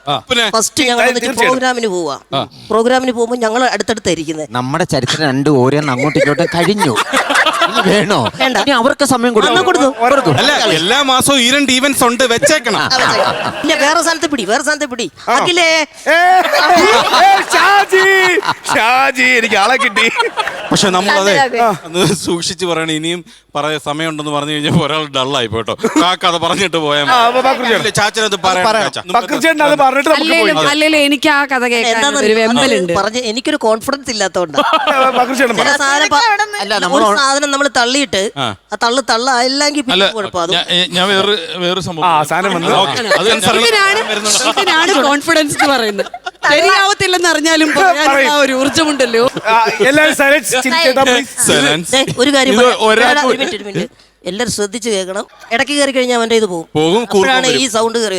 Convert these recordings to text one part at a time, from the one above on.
പിന്നെ ഫസ്റ്റ് ഞങ്ങൾ പ്രോഗ്രാമിന് പോവാ. പ്രോഗ്രാമിന് പോകുമ്പോൾ ഞങ്ങൾ അടുത്തടുത്തായിരിക്കുന്നത്. നമ്മുടെ ചരിത്രം രണ്ട് ഓരോന്ന് അങ്ങോട്ടും ഇങ്ങോട്ടും കഴിഞ്ഞു. വേണോ? ഇനി അവർക്ക് സമയം കൊടുക്കും. അല്ല, എല്ലാ മാസവും ഈ 2 ഈവന്റ്സ് ഉണ്ട്, വെച്ചേക്കണം. ഇല്ല, വേറെ സ്ഥാനത്ത് പിടി. അഖിലേ, ഷാജി എനിക്ക് ആളെ കിട്ടി. പക്ഷെ നമ്മളതെ അന്ന് സൂക്ഷിച്ച് പറയണം. ഇനിയും സമയമുണ്ടെന്ന് പറഞ്ഞു കഴിഞ്ഞാൽ ഒരാൾ ഡള്ളായി പോട്ടോ. ആ കഥ പറഞ്ഞിട്ട് പോയാൽ ചാച്ചനത് അല്ലല്ലോ, എനിക്ക് ആ കഥ കേൾക്കാൻ ഒരു വെമ്പലുണ്ട്. എനിക്കൊരു കോൺഫിഡൻസ് ഇല്ലാത്തോണ്ടാണ്. സാധനം നമ്മൾ തള്ളിയിട്ട് ആ തള്ളായില്ലെങ്കിൽ ഞാൻ വേറെ സംഭവം കോൺഫിഡൻസ് എന്ന് പറയുന്നത്. ശരിയാവത്തില്ലെന്ന് അറിഞ്ഞാലും ഒരു ഊർജ്ജമുണ്ടല്ലോ. ഒരു കാര്യം എല്ലാരും ശ്രദ്ധിച്ചു കേൾക്കണം. ഇടയ്ക്ക് കയറി കഴിഞ്ഞാൽ അവന്റെ ഇത് പോകും. ഈ സൗണ്ട് കയറി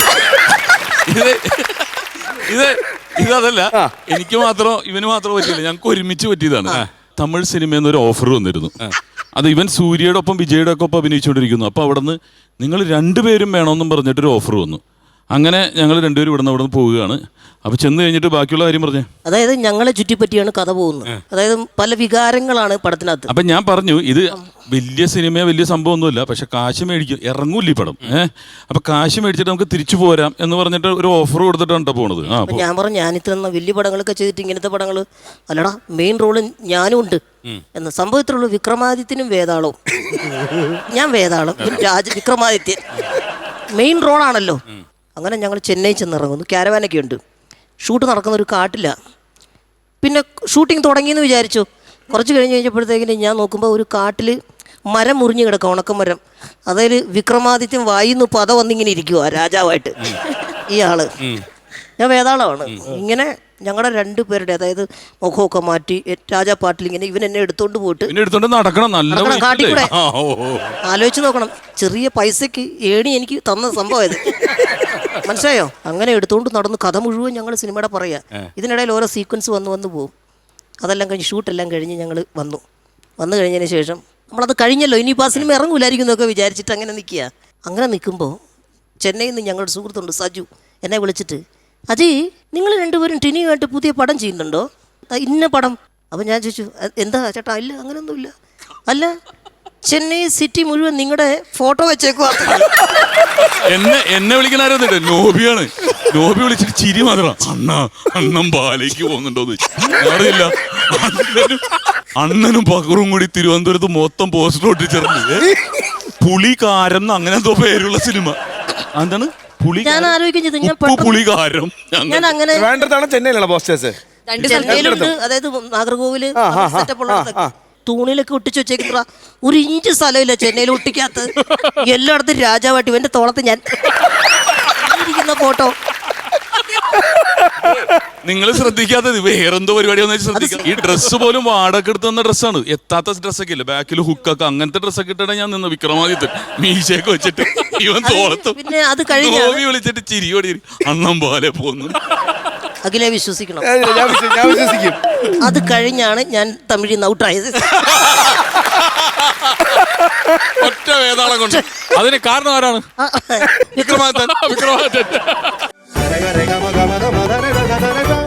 ഇതല്ല, എനിക്ക് മാത്രം ഇവന് മാത്രം പറ്റില്ല, ഞങ്ങൾക്ക് ഒരുമിച്ച് പറ്റിയതാണ്. തമിഴ് സിനിമയിൽ നിന്ന് ഒരു ഓഫർ വന്നിരുന്നു. അത് ഇവൻ സൂര്യയുടെ ഒപ്പം വിജയുടെ ഒക്കെ ഒപ്പം അഭിനയിച്ചുകൊണ്ടിരിക്കുന്നു. അപ്പോൾ അവിടെ നിന്ന് നിങ്ങൾ 2 പേരും വേണമെന്നും പറഞ്ഞിട്ടൊരു ഓഫർ വന്നു. അങ്ങനെ ഞങ്ങൾ 2 പേരും ഇവിടെ നിന്ന് പോവുകയാണ്. അപ്പോൾ ചെന്ന് കഴിഞ്ഞിട്ട് ബാക്കിയുള്ള കാര്യം പറഞ്ഞേ. അതായത് ഞങ്ങളെ ചുറ്റിപ്പറ്റിയാണ് കഥ പോകുന്നത്. അതായത് പല വികാരങ്ങളാണ് പടത്തിനകത്ത്. അപ്പം ഞാൻ പറഞ്ഞു, ഇത് വലിയ സിനിമയോ വലിയ സംഭവമൊന്നുമില്ല, പക്ഷെ കാശ് മേടിക്കും, ഇറങ്ങൂല്ല ഈ പടം. അപ്പം കാശ് മേടിച്ചിട്ട് നമുക്ക് തിരിച്ചു പോരാം എന്ന് പറഞ്ഞിട്ട് ഒരു ഓഫർ കൊടുത്തിട്ടാണ് പോകുന്നത്. ഞാൻ പറഞ്ഞു, ഞാനിത്ര വലിയ പടങ്ങളൊക്കെ ചെയ്തിട്ട് ഇങ്ങനത്തെ പടങ്ങൾ അല്ലടാ, മെയിൻ റോള് ഞാനും ഉണ്ട് എന്ന്. സംഭവത്തിലുള്ള വിക്രമാദിത്യനും വേതാളവും. ഞാൻ വേതാളം, വിക്രമാദിത്യൻ മെയിൻ റോളാണല്ലോ. അങ്ങനെ ഞങ്ങൾ ചെന്നൈ ചെന്നിറങ്ങുന്നു. ക്യാരവാനൊക്കെ ഉണ്ട്. ഷൂട്ട് നടക്കുന്ന ഒരു കാട്ടില്ല. പിന്നെ ഷൂട്ടിംഗ് തുടങ്ങിയെന്ന് വിചാരിച്ചു. കുറച്ച് കഴിഞ്ഞപ്പോഴത്തേക്കിന് ഞാൻ നോക്കുമ്പോൾ ഒരു കാട്ടിൽ മരം മുറിഞ്ഞ് കിടക്കുക, ഉണക്കമരം. അതായത് വിക്രമാദിത്യൻ വായിന്ന് പത വന്നിങ്ങനെ ഇരിക്കുക രാജാവായിട്ട്. ഈ ആള് ഞാൻ വേതാളമാണ്. ഇങ്ങനെ ഞങ്ങളുടെ 2 പേരുടെ, അതായത് മുഖമൊക്കെ മാറ്റി രാജാപ്പാട്ടിൽ ഇങ്ങനെ ഇവൻ എന്നെ എടുത്തോണ്ട് പോയിട്ട് കാട്ടിക്കൂടെ. ആലോചിച്ച് നോക്കണം, ചെറിയ പൈസക്ക് ഏണി എനിക്ക് തന്ന സംഭവം ഇത്, മനസ്സിലായോ? അങ്ങനെ എടുത്തോണ്ട് നടന്ന് കഥ മുഴുവൻ ഞങ്ങൾ സിനിമയുടെ പറയാ. ഇതിനിടയിൽ ഓരോ സീക്വൻസ് വന്ന് പോകും. അതെല്ലാം കഴിഞ്ഞ് ഷൂട്ടെല്ലാം കഴിഞ്ഞ് ഞങ്ങൾ വന്നു കഴിഞ്ഞതിന് ശേഷം നമ്മളത് കഴിഞ്ഞല്ലോ, ഇനിയിപ്പോൾ ആ സിനിമ ഇറങ്ങൂലായിരിക്കും എന്നൊക്കെ വിചാരിച്ചിട്ട് അങ്ങനെ നിൽക്കുക. അങ്ങനെ നിൽക്കുമ്പോൾ ചെന്നൈയിൽ നിന്ന് ഞങ്ങളുടെ സുഹൃത്തുണ്ട് സജു, എന്നെ വിളിച്ചിട്ട്, അജയ് നിങ്ങൾ 2 പേരും ടിനിയുമായിട്ട് പുതിയ പടം ചെയ്യുന്നുണ്ടോ? ഇന്ന പടം. അപ്പം ഞാൻ ചോദിച്ചു, എന്താ ചേട്ടാ? ഇല്ല, അങ്ങനെയൊന്നുമില്ല. അല്ല, ചെന്നൈ സിറ്റി മുഴുവൻ നിങ്ങളുടെ ഫോട്ടോ വെച്ചേക്കുവാ. എന്നെ വിളിക്കണായിരുന്നില്ല, നോബിയാണ്. നോബി വിളിച്ചിട്ട് ചിരി മാത്രം. അണ്ണൻ പാലേക്ക് പോകുന്നുണ്ടോന്ന് അറിയില്ല. അണ്ണനും പകറും കൂടി തിരുവനന്തപുരത്ത് മൊത്തം പോസ്റ്റർ ഒട്ടിച്ചേർന്ന് പുളികാരം അങ്ങനെ എന്തോ പേരുള്ള സിനിമ. എന്താണ് ഞാൻ ആലോചിക്കുന്നത്? ഞാൻ അങ്ങനെ ചെന്നൈയിലാണ് പോസ്റ്റേഴ്സ്. ചെന്നൈയിലുണ്ട്, അതായത് നാഗർകോവില് സെറ്റപ്പുള്ള തൂണിലൊക്കെ ഒട്ടിച്ച് വെച്ചേക്കുന്ന 1 ഇഞ്ച് സ്ഥലമില്ല ചെന്നൈയിൽ ഒട്ടിക്കാത്ത. എല്ലായിടത്തും രാജാവായിട്ട് ഇവന്റെ തോളത്ത് ഞാൻ ഇരിക്കുന്ന ഫോട്ടോ. നിങ്ങൾ ശ്രദ്ധിക്കാത്തത് വേറെന്തോ പരിപാടി ശ്രദ്ധിക്കാം. ഈ ഡ്രസ്സ് പോലും വാടക എടുത്ത് തന്ന ഡ്രസ്സാണ്. എത്താത്ത ഡ്രസ്സൊക്കെ ഇല്ല, ബാക്കിൽ ഹുക്കൊക്കെ അങ്ങനത്തെ ഡ്രസ്സൊക്കെ ഇട്ടാണ് ഞാൻ നിന്ന്. വിക്രമാദിത്യൻ മീശയൊക്കെ വെച്ചിട്ട് ഇവൻ തോളത്തും പിന്നെ അത് കഴിഞ്ഞ് വിളിച്ചിട്ട് ചിരിയോടി അണ്ണം പോലെ പോകുന്നു. അഖിലെ വിശ്വസിക്കണം, ഞാൻ വിശ്വസിക്കും. അത് കഴിഞ്ഞാണ് ഞാൻ തമിഴിൽ നിന്ന് ഔട്ടായത്. ഒറ്റ വേതാളം കൊണ്ട്. അതിന് കാരണം ആരാണ്? വിക്രമാദിത്യൻ.